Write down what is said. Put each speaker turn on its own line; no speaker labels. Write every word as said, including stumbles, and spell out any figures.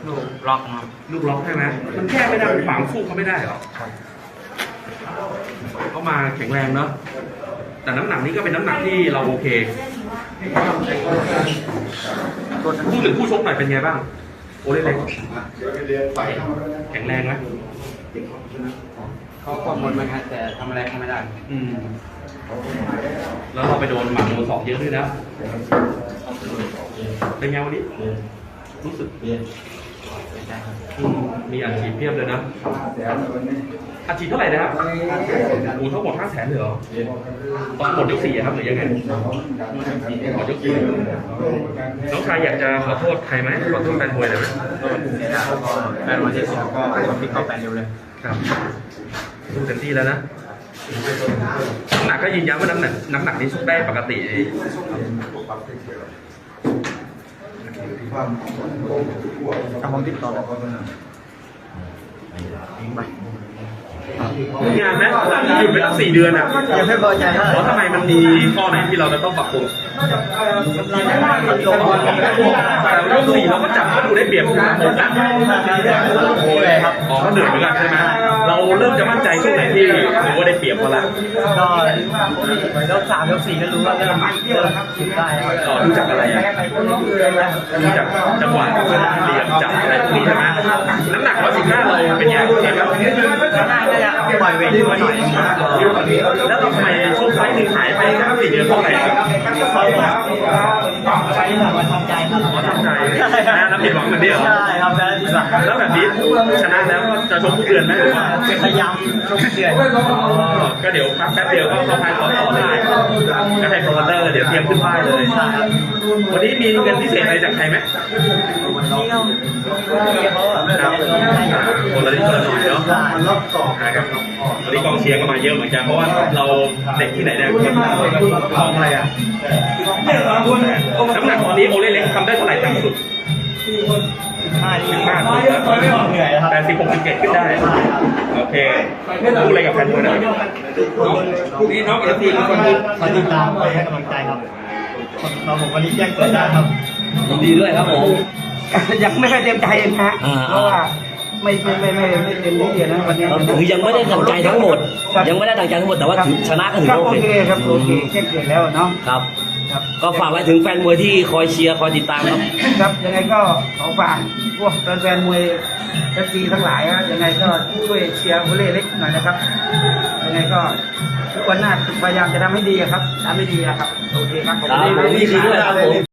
ลูกล็อกครับ
ลูกล็อกใช่ไหมมันแก้ไม่ได้มันฝังสู้เขาไม่ได้หรอเขามาแข็งแรงเนาะแต่น้ำหนักนี้ก็เป็นน้ำหนักที่เราโอเคพูดถึงผู้ชกหน่อยเป็นไงบ้างโอเล่เล็กแข็งแรงไหม
เขาควบคุมมันครับแต่ทำอะไรเขาไม่ได้
อืมแล้วเราไปโดนหมัดโดนศอกเยอะด้วยนะเป็นไงวันนี้รู้สึกมีอัดฉีดเพียบเลยนะอัดฉีดเท่าไหร่นะครับโอ้ทั้งหมดห้าแสนเลยเหรอตอนหมดยกสี่ครับหรือยังไงหมดยกสี่น้องชายอยากจะขอโทษใครไหมขอโทษแฟนมวยเลยไหม
แฟนมวยที่เสียก็ต้องพิกเข้าแฟนเร็วเลย
ครับดูเต็มที่แล้วนะน้ำหนักก็ยืนยันว่าน้ำหนักน้ำหนักนี้ชกได้ปกติ
ทำผมติดต่อ
มีงานไหมหยุดไปตั้งสี่เดือนอ่ะ
ยังไม่พอใจ
เพราะทำไมมันมีข้อไหนที่เราจะต้องปรับปรุงแต่ยกสี่เราก็จับก็ดูได้เปรียบหมดนะโอ้ยอ๋อก็เหนื่อยเหมือนกันใช่ไหมเราเริ่มจะมั่นใจช่วงไหนที่ถือว่าได้เปรียบเขาละ
ก็ยกสามยกสี่ก็รู้ว่าเริ่มเริ่มคิดได้
ก็รู้จักอะไรอ่ะรู้จักจังหวะเหลี่ยมจับอะไรพวกนี้ใช่ไหมน้ำหนักร้อยสิบห้าเราเป็นยังไงครับ
น่าจะปล่อยเวทมาหน่อย
แล้วทำไมช่วงไฟหนึ่งหายไปสักสี่เดือนเท่าไหร่ครับ
ใช้แบบว่าทำใจครับ
ทำใจนะน้ำผิดหวังเหมือนเดิม
ใช่ครับแล้วผิดหวัง
แล้วแบบนี้ชนะแล้วจะชกทุกเดือนไหม
พยายามชกเดือน
ก็เดี๋ยวพักแป๊บเดียวก็เข้าพายต่อต่อได้ก็ให้โปรโมเตอร์เดี๋ยวเตรียมขึ้นป้ายเลยวันนี้มีเงินพิเศษอะไรจากใครไหมครับคนละนิดคนละหน่อยเนาะครับวันนี้กองเชียร์ก็มาเยอะเหมือนกันเพราะว่าเราเด็กที่ไหนเนี่ยทองอะไรอ่ะน้ำหนักตอนนี้โอเล่เล็กทำได้เท่าไหร่ต่ำสุด
ห้าสิบ
ห้า
เหนื่อยครับ
แต่สิบหกสิบเจ็ดขึ้นได้โอเคพูดอะไรกับแฟนมวยหน่อยพรุ่งนี้น้องเอฟซีทุกคน
ขอติดตามให้กำลังใจครับเราผมวันนี้แจ้งเกิดได้ครับ
ยินดีด้วยครับผม
ยังไม่ได้เต็มใจนะเพราะว่าไม่ไม่ไม่ไม่ไม่เต็มที่นะวันนี้
คือยังไม่ได้ดังใจทั้งหมดยังไม่ได้ดังใจทั้งหมดแต่ว่าถึงชนะก็ถือโอเค
ครับโอเคแค่เกิดแล้วเนาะ
ครับก็ฝากไว้ถึงแฟนมวยที่คอยเชียร์คอยติดตามครับ
ครับยังไงก็ขอฝากพวกแฟนมวยเอฟซีทั้งหลายนะยังไงก็ช่วยเชียร์โอเล่เล็กหน่อยนะครับยังไงก็ทุกวันหน้าพยายามจะทำให้ดีครับทำให้ดีครับโอเคครับผม
ดีด้วยครับผม